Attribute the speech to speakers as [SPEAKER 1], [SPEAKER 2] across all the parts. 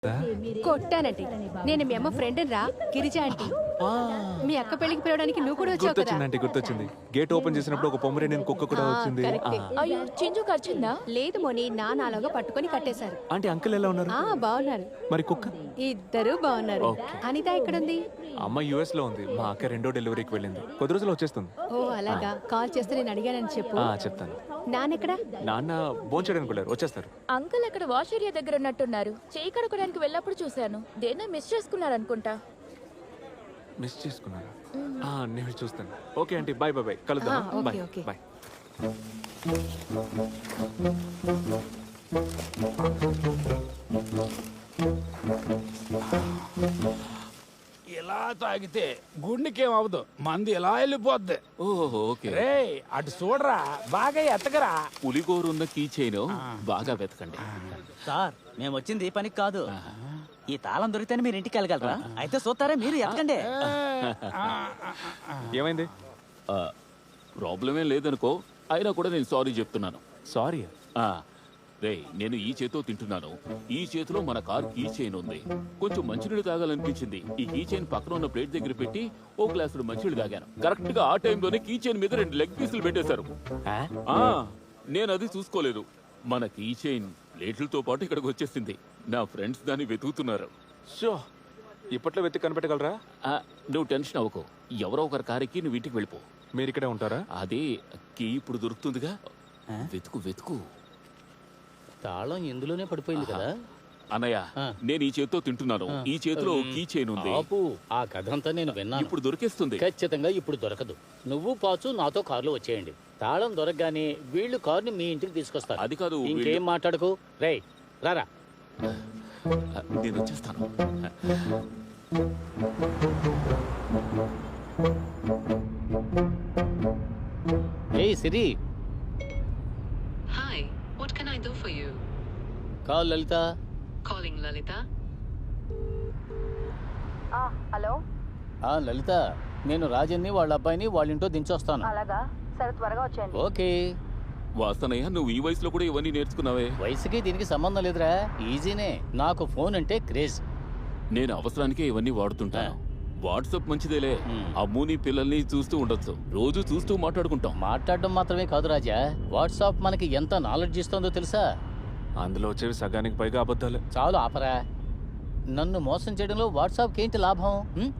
[SPEAKER 1] కొట్టానంటే నేను మీ అమ్మ ఫ్రెండ్ రా గిరిజ ఆంటీ. మీ అక్క పెళ్లికి పిలవడానికి నువ్వు కూడా వచ్చావు కదా.
[SPEAKER 2] గుర్తొచ్చింది, గుర్తొచ్చింది. గేట్ ఓపెన్ చేసినప్పుడు ఒక పొమరేనియన్ కుక్క కూడా వచ్చింది.
[SPEAKER 3] అయ్యో చింజు ఖర్చుందా?
[SPEAKER 1] లేదు మోని, నాలాగా పట్టుకొని కట్టేశారు.
[SPEAKER 2] ఆంటీ అంకుల్ ఎలా ఉన్నారు?
[SPEAKER 1] బాగున్నారు.
[SPEAKER 2] మరి కుక్క?
[SPEAKER 1] ఇద్దరు బాగున్నారు. అనిత ఎక్కడుంది?
[SPEAKER 2] అమ్మ యుఎస్ లో ఉంది. మా అక్క 2వ డెలివరీకి వెళ్ళింది. కొద్ది రోజులు వచ్చేస్తుంది.
[SPEAKER 1] ఓ అలాగా. కాల్ చేస్తే నేను అడిగానని చెప్పు.
[SPEAKER 2] చెప్తాను.
[SPEAKER 1] నాన్నెక్కడా?
[SPEAKER 2] నాన్న భోంచేయడానికి వెళ్ళారు, వచ్చేస్తారు.
[SPEAKER 3] అంకుల్ అక్కడ వాష్ ఏరియా దగ్గర ఉన్నట్టున్నారు. చేయి కడుకోవడానికి వెళ్ళినప్పుడు చూశాను. దేన్నో మిస్ చేసుకున్నారనుకుంటా.
[SPEAKER 2] మిస్ చేసుకున్నారా? నేను చూస్తాను. Okay aunty, bye bye bye, కలుద్దాం. Bye bye.
[SPEAKER 4] ఇలా తాగితే గుండెకేం అవ్వదు, మంది ఎలా వెళ్ళిపోద్ది. రే అటు చూడరా, బాగా ఎత్తకరా.
[SPEAKER 5] పులిగోరున్న కీ చైన్ బాగా వెతకండి.
[SPEAKER 6] సార్ మేము వచ్చింది పనికి కాదు. ఈ తాళం దొరికితేనే మీరు ఇంటికి వెళ్ళగలరా? అయితే చూస్తారా, మీరు ఎత్తకండి.
[SPEAKER 2] ఏమైంది?
[SPEAKER 5] ప్రాబ్లమే లేదనుకో, అయినా కూడా నేను సారీ చెప్తున్నాను.
[SPEAKER 2] సారీ?
[SPEAKER 5] రే, నేను ఈ చేతితో తింటున్నాను. ఈ చేతిలో మన కార్ కీ చైన్ ఉంది. కొంచెం మంచినీళ్ళు తాగాలనిపించింది. ఈ కీ చైన్ పక్కన ఉన్న ప్లేట్ దగ్గర పెట్టి ఓ గ్లాసుడు మంచినీళ్ళు తాగాను. కరెక్ట్ గా ఆ టైంలోనే కీ చైన్ మీద 2 లెగ్ పీసులు పెట్టేశారు. నేను అది చూసుకోలేదు. మన కీ చైన్ ప్లేట్లతో పాటు ఇక్కడికి వచ్చేసింది. నా ఫ్రెండ్స్ దాన్ని వెతుకుతున్నారు.
[SPEAKER 2] షో, ఇప్పట్లో వెతికి కనిపెట్టగలరా?
[SPEAKER 5] నువ్వు టెన్షన్ అవ్వకు. ఎవరో ఒకరి కారెక్కి నువ్వు ఇంటికి వెళ్ళిపో.
[SPEAKER 2] మీరు ఇక్కడే ఉంటారా?
[SPEAKER 5] అదే కీ ఇప్పుడు దొరుకుతుందిగా. వెతుకు వెతుకు.
[SPEAKER 6] తాళం ఇందులోనే పడిపోయింది కదా
[SPEAKER 5] అన్నయ్య. నేను ఈ చేతితో తింటున్నాను. ఈ చేతిలో కీ చైన్ ఉంది.
[SPEAKER 6] ఆ కథ అంతా నేను విన్నాను.
[SPEAKER 5] ఇప్పుడు దొరికేస్తుంది.
[SPEAKER 6] ఖచ్చితంగా ఇప్పుడు దొరకదు. నువ్వు పాచు నాతో కారులో వచ్చేయండి. తాళం దొరకగానే వీళ్ళు కారుని మీ ఇంటికి తీసుకొస్తారు.
[SPEAKER 5] అది కాదు,
[SPEAKER 6] ఇంకేం మాట్లాడకు. రే రారా,
[SPEAKER 5] నేను వచ్చేస్తాను.
[SPEAKER 6] ఏయ్ Siri.
[SPEAKER 7] Hi, what can I do for you?
[SPEAKER 6] Call Lalita.
[SPEAKER 7] Calling Lalita.
[SPEAKER 1] Hello.
[SPEAKER 6] Lalita, నేను రాజన్ని వాళ్ళ అబ్బాయిని వాళ్ళ ఇంట్లో దించొస్తాను.
[SPEAKER 1] అలాగా, సరే త్వరగా వచ్చేయండి.
[SPEAKER 6] ఓకే.
[SPEAKER 5] వాస్తనయ్య, నువ్వు ఈ వయసులో కూడా ఇవన్నీ నేర్చుకున్నావే?
[SPEAKER 6] వయసుకి దీనికి సంబంధం లేదురా, ఈజీనే. నాకు ఫోన్ అంటే క్రేజ్.
[SPEAKER 5] నేను అవసరానికే ఇవన్నీ వాడుతుంటాను. వాట్సాప్ మంచిదేలే. అమ్ముని పిల్లల్ని చూస్తూ ఉండొచ్చు. రోజు చూస్తూ మాట్లాడుకుంటాం.
[SPEAKER 6] మాట్లాడడం మాత్రమే కాదు రాజా, వాట్సాప్ మనకి ఎంత నాలెడ్జ్ ఇస్తుందో తెలుసా?
[SPEAKER 2] అందులో వచ్చేవి సగానికి పైగా అబద్ధాలు.
[SPEAKER 6] చాలు ఆపరా. నన్ను మోసం చేయడంలో వాట్సాప్కి ఏంటి లాభం?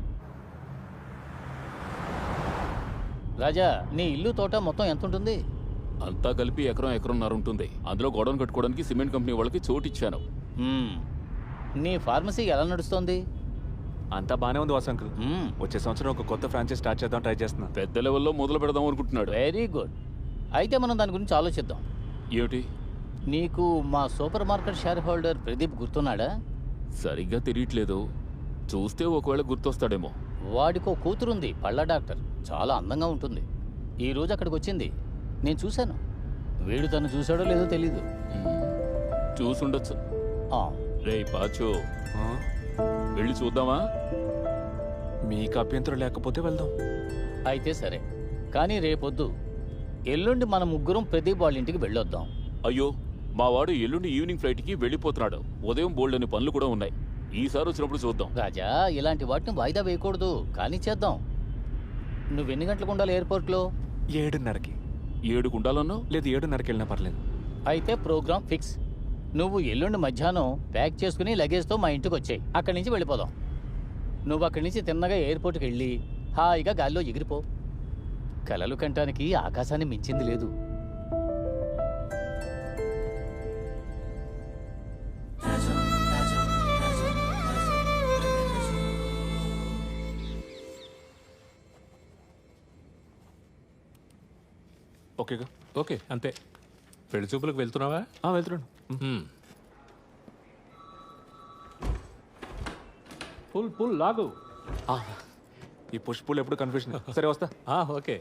[SPEAKER 6] రాజా, నీ ఇల్లు తోట మొత్తం ఎంత ఉంటుంది?
[SPEAKER 5] అంతా కలిపి ఎకరంన్నర ఉంటుంది. అందులో గోడౌన్ కట్టుకోవడానికి సిమెంట్ కంపెనీ వాళ్ళకి చోటు ఇచ్చాను.
[SPEAKER 6] నీ ఫార్మసీ ఎలా నడుస్తోంది?
[SPEAKER 2] అంతా బానే ఉంది వాసు అంకుల్. వచ్చే సంవత్సరం ఒక కొత్త ఫ్రాంచైజ్ స్టార్ట్ చేద్దాం ట్రై చేస్తున్నా.
[SPEAKER 5] పెద్ద లెవెల్లో మొదలు పెడదాం అనుకుంటున్నాడు.
[SPEAKER 6] Very good. అయితే మనం దాని గురించి ఆలోచిద్దాం.
[SPEAKER 5] ఏమిటి?
[SPEAKER 6] నీకు మా super market share holder Pradeep గుర్తున్నాడా?
[SPEAKER 5] సరిగ్గా తెలియట్లేదు. చూస్తే ఒకవేళ గుర్తొస్తాడేమో.
[SPEAKER 6] వాడికో కూతురుంది, పళ్ళ డాక్టర్. చాలా అందంగా ఉంటుంది. ఈ రోజు అక్కడికి వచ్చింది, నేను చూశాను. వీడు తను చూశాడో లేదో తెలీదు.
[SPEAKER 5] చూసుండొచ్చు. రే పాచో, వెళ్ళి చూద్దామా?
[SPEAKER 2] మీకు అభ్యంతరం లేకపోతే వెళ్దాం.
[SPEAKER 6] అయితే సరే, కానీ రేపొద్దు ఎల్లుండి మన ముగ్గురం ప్రదీప్ వాళ్ళ ఇంటికి వెళ్ళొద్దాం.
[SPEAKER 5] అయ్యో, మా వాడు ఎల్లుండి ఈవినింగ్ ఫ్లైట్కి వెళ్ళిపోతున్నాడు. ఉదయం బోల్డని పనులు కూడా ఉన్నాయి. ఈసారి వచ్చినప్పుడు చూద్దాం.
[SPEAKER 6] రాజా, ఇలాంటి వాటిని వాయిదా వేయకూడదు, కానీ చేద్దాం. నువ్వెన్ని గంటలకు ఉండాలి ఎయిర్పోర్ట్లో?
[SPEAKER 2] 7:30కి.
[SPEAKER 5] 7కు ఉండాలన్నావు?
[SPEAKER 2] లేదు, 7:30కి వెళ్ళినా పర్లేదు.
[SPEAKER 6] అయితే ప్రోగ్రామ్ ఫిక్స్. నువ్వు ఎల్లుండి మధ్యాహ్నం ప్యాక్ చేసుకుని లగేజ్తో మా ఇంటికి వచ్చాయి. అక్కడి నుంచి వెళ్ళిపోదాం. నువ్వు అక్కడి నుంచి తిన్నగా ఎయిర్పోర్ట్కి వెళ్ళి హాయిగా గాల్లో ఎగిరిపో. కలలు కంటానికి ఆకాశాన్ని మించింది లేదు.
[SPEAKER 2] ఓకేగా?
[SPEAKER 8] ఓకే, అంతే. పెళ్లి చూపులకు వెళ్తున్నావా?
[SPEAKER 2] వెళ్తున్నాను.
[SPEAKER 8] పుల్ లాగు.
[SPEAKER 2] ఈ పుష్పులు ఎప్పుడు కన్ఫ్యూషన్. సరే వస్తా.
[SPEAKER 8] ఓకే.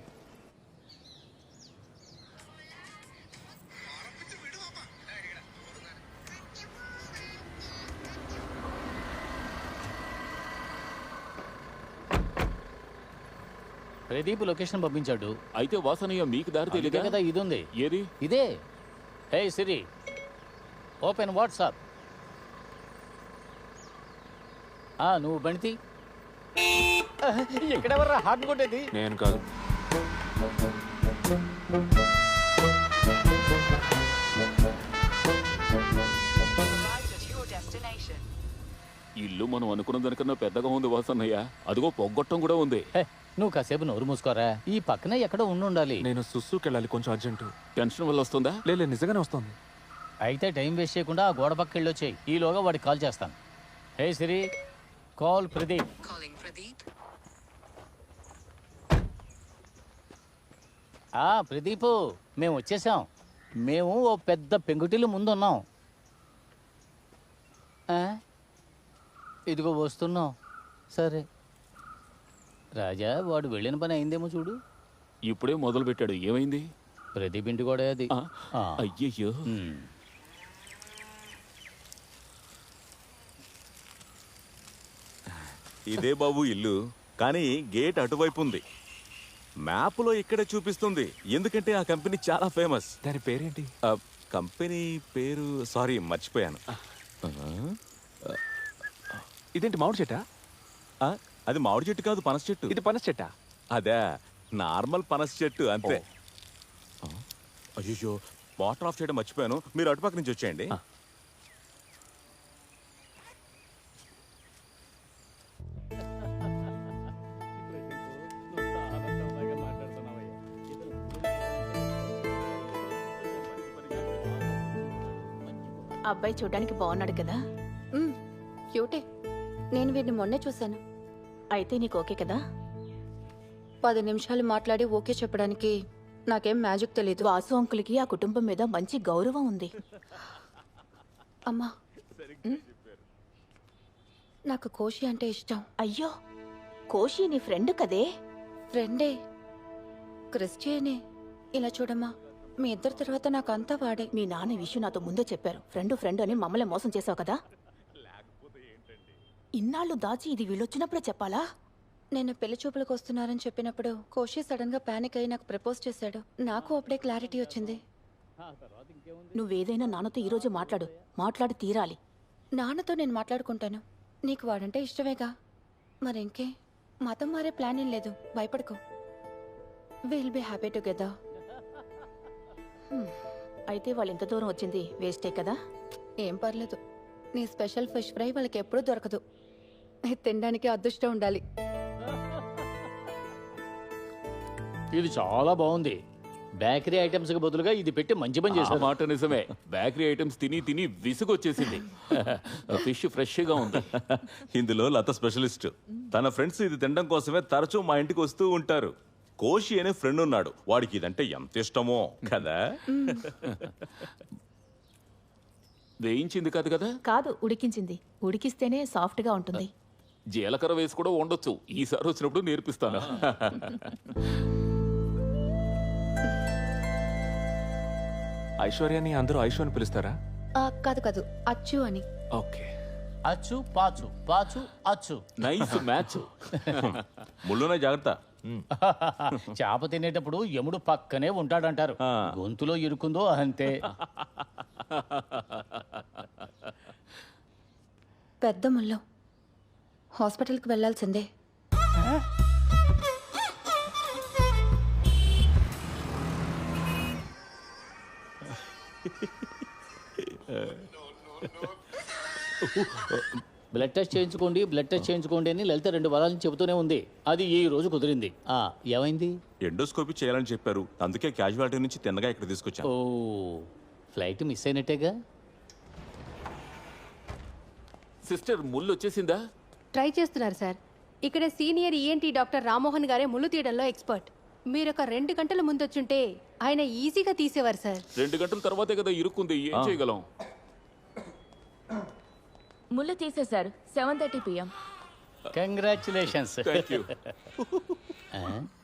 [SPEAKER 6] ప్రదీప్ లొకేషన్ పంపించాడు.
[SPEAKER 5] అయితే వాసనయ్య మీకు దారి తెలియదు
[SPEAKER 6] కదా? ఇది ఉంది.
[SPEAKER 5] ఏది?
[SPEAKER 6] ఇదే. Hey Siri, open WhatsApp. నువ్వు బండి ఎక్కడెవర్రా హార్ట్ కొట్టేది?
[SPEAKER 2] నేను కాదు.
[SPEAKER 5] ఇల్లు మనం అనుకున్న దానికన్నా పెద్దగా ఉంది వాసన్నయ్య. అదిగో పొగ్గొట్టం కూడా ఉంది.
[SPEAKER 6] హే, నువ్వు కాసేపు నోరు మూసుకోరా. ఈ పక్కనే ఎక్కడో ఉండాలి.
[SPEAKER 2] నేను సుస్సుకి వెళ్ళాలి, కొంచెం అర్జెంటు.
[SPEAKER 5] టెన్షన్ వల్ల వస్తుందా?
[SPEAKER 2] లేదు నిజంగానే వస్తుంది.
[SPEAKER 6] అయితే టైం వేస్ట్ చేయకుండా ఆ గోడ పక్క వెళ్ళొచ్చేయి. ఈలోగా వాడికి కాల్ చేస్తాను. Hey Siri, call Pradeep.
[SPEAKER 7] Calling Pradeep.
[SPEAKER 6] Pradeep, మేము వచ్చేసాం. మేము ఓ పెద్ద పెంకుటిల్లు ముందున్నాం. ఇదిగో వస్తున్నాం. సరే రాజా, వాడు వెళ్ళిన పని అయిందేమో చూడు.
[SPEAKER 5] ఇప్పుడే మొదలు పెట్టాడు. ఏమైంది?
[SPEAKER 6] ప్రదీప్ ఇంటి కూడా అది.
[SPEAKER 5] అయ్యయ్యో.
[SPEAKER 9] ఇదే బాబు ఇల్లు, కానీ గేట్ అటువైపు ఉంది. మ్యాప్లో ఇక్కడే చూపిస్తుంది, ఎందుకంటే ఆ కంపెనీ చాలా ఫేమస్.
[SPEAKER 2] దాని పేరేంటి?
[SPEAKER 9] కంపెనీ పేరు సారీ మర్చిపోయాను.
[SPEAKER 2] ఇదేంటి మామిడి చెట్టా?
[SPEAKER 9] అది మామిడి చెట్టు కాదు, పనస చెట్టు.
[SPEAKER 2] ఇది పనస చెట్టా?
[SPEAKER 9] అదే నార్మల్ పనస చెట్టు అంతే. అయ్యో, వాటర్ ఆఫ్ చేయడం మర్చిపోయాను. మీరు అటుపక్క నుంచి వచ్చేయండి.
[SPEAKER 3] అబ్బాయి చూడడానికి బాగున్నాడు కదా?
[SPEAKER 1] క్యూటే. నేను వీడిని మొన్నే చూశాను.
[SPEAKER 3] అయితే నీకు ఓకే కదా?
[SPEAKER 1] 10 నిమిషాలు మాట్లాడి ఓకే చెప్పడానికి నాకేం మ్యాజిక్ తెలీదు.
[SPEAKER 3] వాసు అంకుల్కి ఆ కుటుంబం మీద మంచి గౌరవం ఉంది.
[SPEAKER 1] అమ్మా, నాకు కోషి అంటే ఇష్టం.
[SPEAKER 3] అయ్యో, కోషి నీ ఫ్రెండ్ కదే?
[SPEAKER 1] ఫ్రెండే, క్రిస్టియనే. ఇలా చూడమ్మా, మీ ఇద్దరి తర్వాత నాకు అంతా వాడే.
[SPEAKER 3] మీ నాన్న ఈ విషయం నాతో ముందే చెప్పారు. ఫ్రెండ్ అని మమ్మల్ని మోసం చేసావు కదా? ఇన్నాళ్ళు దాచి ఇది వీళ్ళొచ్చినప్పుడే చెప్పాలా?
[SPEAKER 1] నేను పెళ్లి చూపులకు వస్తున్నారని చెప్పినప్పుడు కోషి సడన్ గా పానిక్ అయి నాకు ప్రపోజ్ చేశాడు. నాకు అప్పుడే క్లారిటీ వచ్చింది.
[SPEAKER 3] నువ్వేదైనా నాన్నతో ఈరోజు మాట్లాడి తీరాలి.
[SPEAKER 1] నాన్నతో నేను మాట్లాడుకుంటాను. నీకు వాడంటే ఇష్టమేగా, మరింకే. మతం మారే ప్లాన్ ఏం లేదు, భయపడుకో. Will be happy together.
[SPEAKER 3] అయితే వాళ్ళు ఎంత దూరం వచ్చింది వేస్టే కదా?
[SPEAKER 1] ఏం పర్లేదు. నీ స్పెషల్ ఫిష్ ఫ్రై వాళ్ళకి ఎప్పుడూ దొరకదు. ఇది తినడానికి అదృష్టం ఉండాలి.
[SPEAKER 6] ఇది చాలా బాగుంది. బేకరీ ఐటమ్స్ కి బదులుగా ఇది పెట్టి మంచి పని చేశారు.
[SPEAKER 5] మాట నిజమే. బేకరీ ఐటమ్స్ తిని విసుగొచ్చేసింది. ఫిష్ ఫ్రెష్ గా ఉంది.
[SPEAKER 9] ఇందులో లత స్పెషలిస్ట్. తన ఫ్రెండ్స్ ఇది తినడం కోసమే తరచూ మా ఇంటికి వస్తూ ఉంటారు. కోషి అనే ఫ్రెండ్ ఉన్నాడు, వాడికి ఇదంటే ఎంత ఇష్టమో కదా.
[SPEAKER 5] వేయించింది కాదు కదా?
[SPEAKER 3] కాదు, ఉడికించింది. ఉడికిస్తేనే సాఫ్ట్ గా ఉంటుంది.
[SPEAKER 5] జీలకర్ర వేసి కూడా వండొచ్చు. ఈసారి వచ్చినప్పుడు నేర్పిస్తాను.
[SPEAKER 2] ఐశ్వర్యాన్ని అందరూ ఐశ్వర్య అని పిలుస్తారా?
[SPEAKER 1] కాదు, అచ్చు అని.
[SPEAKER 2] ఓకే.
[SPEAKER 6] అచ్చు పాచు, పాచు అచ్చు.
[SPEAKER 5] Nice match.
[SPEAKER 9] ముళ్ళునే జాగ్రత్త.
[SPEAKER 6] చేప తినేటప్పుడు యముడు పక్కనే ఉంటాడంటారు. గొంతులో ఇరుకుందో అంతే.
[SPEAKER 1] పెద్ద ముళ్ళు. హాస్పిటల్కి వెళ్ళాల్సిందే.
[SPEAKER 6] బ్లడ్ టెస్ట్ చేయించుకోండి అని లలిత 2 వారాల నుంచి చెబుతూనే ఉంది. అది ఈ రోజు కుదిరింది. ఏమైంది?
[SPEAKER 9] ఎండోస్కోపీ చేయాలని చెప్పారు, అందుకే క్యాజువాలిటీ నుంచి తిన్నగా ఇక్కడ తీసుకొచ్చాను.
[SPEAKER 6] ఓ, ఫ్లైట్ మిస్ అయినట్టేగా.
[SPEAKER 5] సిస్టర్, ముళ్ళు వచ్చేసిందా?
[SPEAKER 1] ట్రై చేస్తున్నారు సార్. ఇక్కడ సీనియర్ ఈఎన్టీ డాక్టర్ రామ్మోహన్ గారే ముళ్ళు తీయడంలో ఎక్స్పర్ట్. మీరు ఒక 2 గంటల ముందు వచ్చుంటే ఆయన ఈజీగా తీసేవారు సార్.
[SPEAKER 5] 2 గంటల తర్వాతే కదా ఇరుక్కుంది. ఏం చేయగలం?
[SPEAKER 3] ముళ్ళు తీసేశారు. 7:30 PM.
[SPEAKER 6] కంగ్రాచులేషన్స్.
[SPEAKER 5] Thank you.